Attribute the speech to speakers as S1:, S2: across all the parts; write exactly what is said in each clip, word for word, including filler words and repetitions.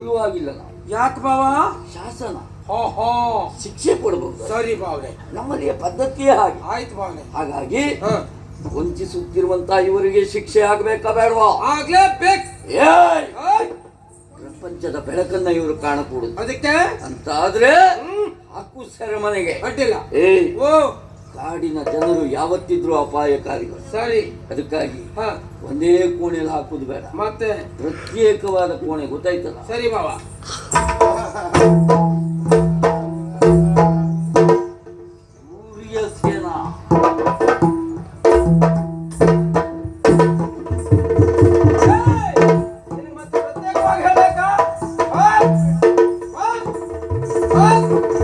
S1: ಆಗಿಲ್ಲ ನಾವು.
S2: ಯಾಕೆ ಬಾವ?
S1: ಶಾಸನ
S2: ಹೋ ಹೋ
S1: ಶಿಕ್ಷೆ ಕೊಡಬಹುದು.
S2: ಸರಿ ಬಾವ್ರೆ,
S1: ನಮ್ಮಲ್ಲಿ ಪದ್ಧತಿಯೇ ಹಾಗೆ.
S2: ಆಯ್ತು ಬಾವ್ರೆ.
S1: ಹಾಗಾಗಿ
S2: ಹ
S1: ವಂಚಿಸುತ್ತಿರುವಂತ ಇವರಿಗೆ ಶಿಕ್ಷೆ ಆಗ್ಬೇಕಾ ಬೇಡವಾ?
S2: ಆಗ್ಲೇಬೇಕು.
S1: ಏಯ್!
S2: ಏಯ್!
S1: ಪ್ರಪಂಚದ ಬೆಳಕನ್ನ ಇವರು ಕಾಣಕೂಡುದು
S2: ಅದಕ್ಕೆ
S1: ಅಂತ ಆದ್ರೆ
S2: ಹ್ಮ್
S1: ಹಾಕು ಸೆರೆಮನೆಗೆ.
S2: ಅಡ್ಡಿಲ್ಲ.
S1: ಏಯ್!
S2: ಓ
S1: ಕಾಡಿನ ಜನರು ಯಾವತ್ತಿದ್ರು ಅಪಾಯಕಾರಿಗಳು.
S2: ಸರಿ.
S1: ಅದಕ್ಕಾಗಿ
S2: ಹ
S1: ಒಂದೇ ಕೋಣೆಯಲ್ಲಿ ಹಾಕುದು ಬೇಡ,
S2: ಮತ್ತೆ
S1: ಪ್ರತ್ಯೇಕವಾದ ಕೋಣೆ. ಗೊತ್ತಾಯ್ತಲ್ಲ?
S2: ಸರಿ ಬಾವ.
S1: ಸೂರ್ಯ ಸೇನಾ
S2: ನಿನಗೆ ಮತ್ತೆ ಪ್ರತ್ಯೇಕವಾಗಿ ಹೇಳ್ಬೇಕಾ? ಹ? ಹ? ಹ?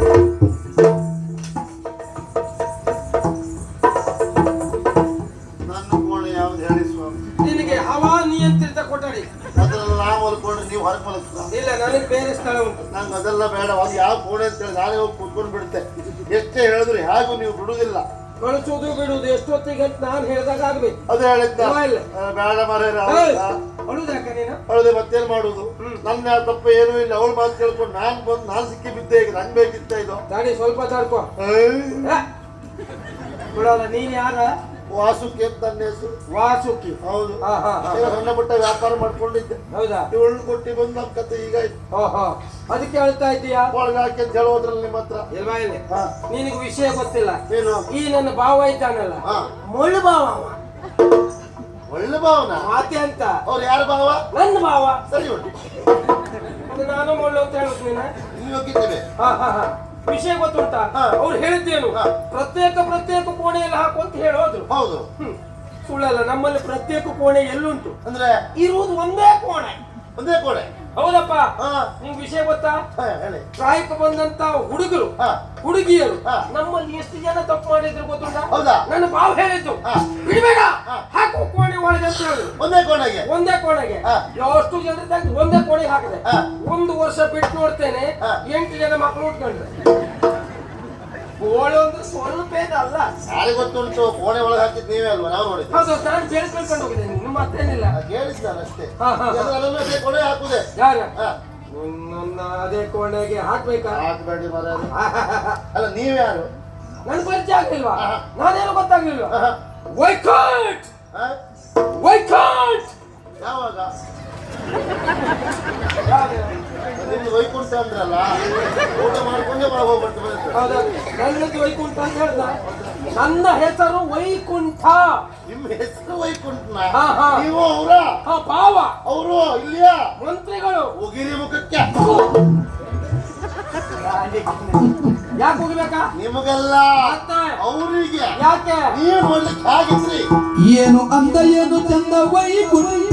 S3: ನನ್ನ ಕೋಣೆ ಯಾವ್ದು ಹೇಳಿ ಸ್ವಾಮಿ?
S2: ನಿನಗೆ ಹವಾ ನಿಯಂತ್ರಿತ ಕೊಠಡಿ.
S3: ಅದ್ರಲ್ಲಿ ನಾ ಮಲ್ಕೊಂಡ್ರೆ ನೀವು ಹೊರಗೆ ಮಲಗ್ತಾ?
S2: ಇಲ್ಲ, ನನಗೆ ಬೇರೆ ಸ್ಥಳ ಉಂಟು.
S3: ನಂಗೆ ಅದೆಲ್ಲ ಬೇಡ. ಅದು ಯಾವ ಕೋಣೆ ಅಂತ ಹೇಳಿ ನಾನೇ ಹೋಗಿ ಕೂತ್ಕೊಂಡು ಬಿಡುತ್ತೆ. ಎಷ್ಟೇ ಹೇಳಿದ್ರು ಹೇಗೂ ನೀವು ಬಿಡುವುದಿಲ್ಲ.
S2: ಕಳಿಸೋದು ಬಿಡುವುದು ಎಷ್ಟೊತ್ತಿಗೆ ಅಂತ ನಾನು ಹೇಳಿದಾಗ ಆಗ್ಬೇಕು.
S3: ಅದು ಹೇಳಿದ್ದ
S2: ಇಲ್ಲ, ಇಲ್ಲ.
S3: ಆ, ಬೇಡ ಮರೇ
S2: ಅಳುದಾಕ ನೀನು?
S3: ಅವಳದೆ ಮತ್ತೇನ್ ಮಾಡುದು?
S2: ಹ್ಮ್.
S3: ನನ್ನ ತಪ್ಪ ಏನೂ ಇಲ್ಲ. ಅವಳು ಮಾತು ಕೇಳ್ಕೊಂಡು ನಾನ್ ಬಂದು ನಾನ್ ಸಿಕ್ಕಿ ಬಿದ್ದೆ. ಈಗ ನಂಗೆ ಬೇಕಿತ್ತ ಇದು?
S2: ದಾಡಿ ಸ್ವಲ್ಪ ತಡ್ಕೋ.
S3: ಏಯ್!
S2: ಬಿಡೋಲ್ಲ. ನೀನ್ ಯಾರ?
S3: ವಾಸುಕಿ ಅಂತ ನನ್ನ ಹೆಸರು.
S2: ವಾಸುಕಿ.
S3: ಹೌದು.
S2: ಹಾ ಹಾ ಹಾ.
S3: ಈಗ ಸಣ್ಣ ಪುಟ್ಟ ವ್ಯಾಪಾರ ಮಾಡ್ಕೊಂಡಿದ್ದೆ.
S2: ಹೌದಾ?
S3: ಇವಳು ಕೊಟ್ಟಿ ಬಂದು ನಮ್ಮ ಕತೆ ಈಗ ಆಯ್ತು.
S2: ಹೋ ಹೋ. ಅದಕ್ಕೆ ಹೇಳ್ತಾ ಇದ್ದೀಯಾ?
S3: ಒಳಗೆ ಹಾಕಿ ಅಂತ ಹೇಳೋದ್ರಲ್ಲಿ ನಿಮ್ಮ ಹತ್ರ
S2: ಇಲ್ವಾ? ಇಲ್ಲಿ
S3: ಹಾ.
S2: ನಿನಗೆ ವಿಷಯ ಗೊತ್ತಿಲ್ಲ.
S3: ಏನು?
S2: ಈ ನನ್ನ ಭಾವ ಇದ್ದಾನಲ್ಲ,
S3: ಹಾ.
S2: ಮುಳ್ಳು ಭಾವ ಅವ.
S3: ಒಳ್ಳೆ ಭಾವನ.
S2: ಮಾತೆ ಅಂತ
S3: ಅವ್ರು ಯಾರ ಭಾವ?
S2: ನನ್ನ ಭಾವ.
S3: ಸರಿ ಉಂಟು.
S2: ಅದು ನಾನು ಮುಳ್ಳು ಅಂತ ಹೇಳುದು ನೀನ?
S3: ನೀವು ಹೋಗಿದ್ದೇವೆ.
S2: ಹಾ ಹಾ ಹಾ. ವಿಷಯ ಗೊತ್ತುಂಟಾ?
S3: ಹಾ.
S2: ಅವ್ರು ಹೇಳಿದ್ದೇನು?
S3: ಹಾ.
S2: ಪ್ರತ್ಯೇಕ ಪ್ರತ್ಯೇಕ ಕೋಣೆಯಲ್ಲಿ ಹಾಕು ಅಂತ ಹೇಳೋದ್ರು.
S3: ಹೌದು.
S2: ಹ್ಮ್. ಸುಳ್ಳಲ್ಲ. ನಮ್ಮಲ್ಲಿ ಪ್ರತ್ಯೇಕ ಕೋಣೆ ಎಲ್ಲುಂಟು?
S3: ಅಂದ್ರೆ
S2: ಇರುವುದು ಒಂದೇ ಕೋಣೆ.
S3: ಒಂದೇ ಕೋಣೆ.
S2: ಹೌದಪ್ಪ.
S3: ಹಾ.
S2: ನಿಂಗೆ ವಿಷಯ ಗೊತ್ತಾ?
S3: ಹಾ, ಹೇಳಿ.
S2: ಪ್ರಾಯಕ್ಕೆ ಬಂದಂತ ಹುಡುಗರು,
S3: ಹಾ.
S2: ಹುಡುಗಿಯರು
S3: ಹಾ.
S2: ನಮ್ಮಲ್ಲಿ ಎಷ್ಟು ಜನ ತಪ್ಪು ಮಾಡಿದ್ರು ಗೊತ್ತುಂಟಾ?
S3: ಹೌದಾ?
S2: ನನ್ನ ಬಾವು ಹೇಳಿದ್ದು
S3: ಹಾ.
S2: ಬಿಡಬೇಡ,
S3: ಹಾ.
S2: ಹಾಕು ಕೋಣೆ ಒಳಗೆ ಅಂತ ಹೇಳಿದ್ರು.
S3: ಒಂದೇ ಕೋಣೆಗೆ.
S2: ಒಂದೇ ಕೋಣೆಗೆ.
S3: ಹಾ.
S2: ಎಷ್ಟು ಜನ ತೆಗ್ದು ಒಂದೇ ಕೋಣೆಗೆ ಹಾಕಿದೆ.
S3: ಹಾ.
S2: ಒಂದು ವರ್ಷ ಬಿಟ್ಟು ನೋಡ್ತೇನೆ,
S3: ಹಾ.
S2: ಎಂಟು ಜನ ಮಕ್ಕಳು ಉಟ್ಕೊಂಡ್ರೆ. ಕೋಣೆ ಒಂದು ಸ್ವಲ್ಪ ಅಲ್ಲ.
S3: ಯಾರಿಗೆ ಗೊತ್ತುಂಟು? ಕೋಣೆ ಒಳಗೆ ಹಾಕಿದ್ ನೀವೇ ಅಲ್ವಾ? ನಾವು ನೋಡಿದ್ವಿ.
S2: ಹೌದು, ನಾನು ಕೇಳಿಸ್ಕೊಂಡು ಹೋಗಿದ್ದೇನೆ. ನಿಮ್ಮ ಮತ್ತೇನಿಲ್ಲ.
S3: ಕೇಳಿದ್ ನಾನು ಅಷ್ಟೇ.
S2: ಹಾ, ಹಾ, ಹಾ.
S3: ಅದರಲ್ಲೂ ಅದೇ ಕೋಣೆ ಹಾಕುದೆ.
S2: ಯಾರ?
S3: ಹಾ.
S2: ನನ್ನ ಅದೇ ಕೋಣೆಗೆ ಹಾಕ್ಬೇಕಾ?
S3: ಹಾಕ್ಬೇಡಿ ಮರ. ಅಲ್ಲ, ನೀವ್ಯಾರು?
S2: ನನ್ ಪರಿಚಯ ಆಗ್ಲಿಲ್ವಾ?
S3: ಹಾ.
S2: ನಾನೇನು ಗೊತ್ತಾಗ್ಲಿಲ್ವಾ?
S3: ಹಾ.
S2: ವೈಕಟ್
S3: ಹಾ?
S2: ವೈಕಟ್.
S3: ಯಾವಾಗ?
S2: ಯಾವ್ದು?
S3: ನಿಮ್ದು ವೈಕುಂಠ ಅಂದ್ರಲ್ಲ, ಊಟ ಮಾಡ್ಕೊಂಡೆ ಒಳಗೆ ಹೋಗ್ಬಿಟ್ಟು ಬರುತ್ತೆ.
S2: ಹೌದಾ? ನನ್ನದು ವೈಕುಂಠ ಅಂತ ಹೇಳ್ದ. ನನ್ನ ಹೆಸರು ವೈಕುಂಠ.
S3: ನಿಮ್ಮ ಹೆಸರು ವೈಕುಂಠನ?
S2: ಹಾ, ಹಾ.
S3: ನೀವು ಅವರ?
S2: ಹಾ, ಭಾವ.
S3: ಅವರು ಇಲ್ಲಿಯಾ?
S2: ಮಂತ್ರಿಗಳು.
S3: ಉಗಿರಿ ಮುಖಕ್ಕೆ.
S2: ಯಾಕೆ ಹೋಗ್ಬೇಕಾ?
S3: ನಿಮಗಲ್ಲ,
S2: ಮತ್ತೆ?
S3: ಅವರಿಗೆ.
S2: ಯಾಕೆ?
S3: ನೀವು ನೋಡ್ಲಿಕ್ಕೆ ಹಾಗಿದ್ರಿ.
S4: ಏನು ಅಂದ ಏನು ಚಂದ ವೈಕುಂಠ,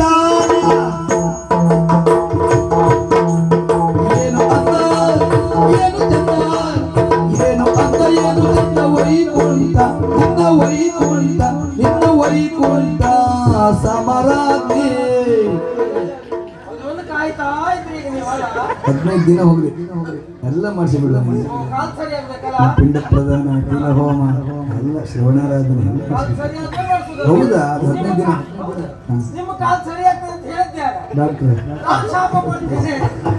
S4: ಏನು ಅಂದ ಏನು ಚಂದ, ಏನು ಅಂದ ಏನು ಚಂದ ವೈಕುಂಠ, ನಿನ್ನ ವೈಕುಂಠ ನಿನ್ನ ವೈಕುಂಠ ಸಮರಾಗ್ನಿ.
S2: ಅದೊಂದು ಕಾಯ್ತಾ ಇದ್ರಿ ಈಗ ನೀವು. ಅಲ್ಲ?
S4: ಹದಿನೈದು ದಿನ ಹೋಗ್ರಿ ಎಲ್ಲ ಮಾಡಿಸಿ ಬಿಡ.
S2: ಕಾಲ್ ಸರಿ ಆಗ್ಬೇಕಲ್ಲ?
S4: ಪಿಂಡ ಪ್ರದಾನ, ತಿಲ ಹೋಮ ಎಲ್ಲ ಶ್ರವಣಾರಾಧನೆ ಎಲ್ಲ
S2: ಕಾಲ್
S4: ಮಾಡಿಸಿ.
S2: ಸರಿ ಆದ್ರೆ ಮಾಡ್ಸುದು.
S4: ಹೌದಾ? ಅದು ಹದಿನೈದು ದಿನ. ಹಾಂ
S2: ನಿಮ್ಮ ಕಾಲ್ ಸರಿ ಆಗ್ತದೆ ಅಂತ ಹೇಳಿದ್ಯಾರ?
S4: ಡಾಕ್ಟ್ರೆ,
S2: ನಾನು ಶಾಪ ಕೊಡ್ತೀನಿ.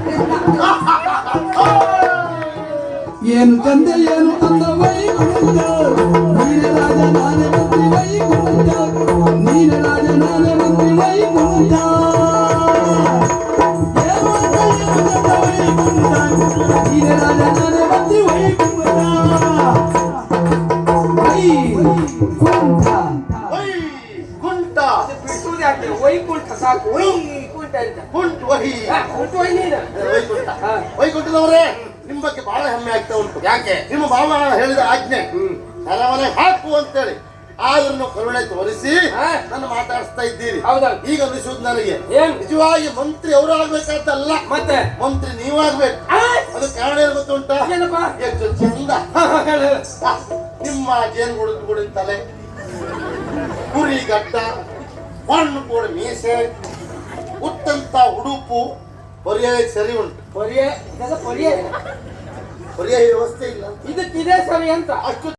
S4: ಏನು ಚಂದ ಏನು ಅಂದ ವೈಕುಂಠ, ನೀನೆ ರಾಜ ನಾನೇ ಮಂತ್ರಿ ವೈಕುಂಠ, ನೀನೆ ರಾಜ ನಾನೇ ಮಂತ್ರಿ ವೈಕುಂಠ. ಏನು ಅಂದ ಏನು ಚಂದ ವೈಕುಂಠ, ನೀನೆ ರಾಜ ನಾನೇ ಮಂತ್ರಿ ವೈಕುಂಠ. ವೈಕುಂಠ
S3: ವೈಕುಂಠ.
S2: ಅದು ಬಿಡಿಸುವುದು ಯಾಕೆ? ವೈಕುಂಠ ಸಾಕು. ವೈಕುಂಠ ಅಂತ.
S3: ಕುಂಠ ವಹಿ.
S2: ಹಾ, ಉಂಟು ವೈ ನೀನು.
S3: ವೈಕುಂಠ.
S2: ಹಾ.
S3: ವೈಕುಂಠದವರೇ, ನಿಮ್ಮ ಬಗ್ಗೆ ಬಹಳ ಹೆಮ್ಮೆ ಆಗ್ತಾ ಉಂಟು. ಯಾಕೆ? ನಿಮ್ಮ ಭಾವ ಹೇಳಿದ ಆಜ್ಞೆ ಸರಮನೆ ಹಾಕು ಅಂತೇಳಿ. ಆದ್ರೂ ನೀವು ಕರುಣೆ ತೋರಿಸಿ
S2: ಹಾ.
S3: ನನ್ನ ಮಾತಾಡಿಸ್ತಾ ಇದ್ದೀರಿ.
S2: ಹೌದಾ?
S3: ಈಗ ಅನಿಸುವುದು ನನಗೆ
S2: ಏನ್?
S3: ನಿಜವಾಗಿ ಮಂತ್ರಿ ಅವರು ಆಗ್ಬೇಕಾದ್ದಲ್ಲ,
S2: ಮತ್ತೆ?
S3: ಮಂತ್ರಿ ನೀವಾಗ್ಬೇಕು.
S2: ಆ?
S3: ಅದು ಕಾರಣ ಏನು ಗೊತ್ತುಂಟಾ?
S2: ಏನಪ್ಪ?
S3: ಎಷ್ಟು ಚಂದ
S2: ಹಾ, ಹಾ, ಹೇಳು, ಹೇಳು.
S3: ನಿಮ್ಮ ಜೇನು ಗುಡಿದ ತಲೆ, ಕುರಿ ಗಡ್ಡ, ಮಣ್ಣು ಕೂಡ ಮೀಸೆ, ಉತ್ತಂತ ಉಡುಪು, ಪರ್ಯಾಯ ಸರಿ ಉಂಟು.
S2: ಪರ್ಯಾಯ ಇದೆಲ್ಲ ಪರ್ಯಾಯ.
S3: ಪರ್ಯಾಯ ವ್ಯವಸ್ಥೆ ಇಲ್ಲ.
S2: ಇದಕ್ಕಿದೆ ಸರಿ ಅಂತ.
S3: ಅಷ್ಟು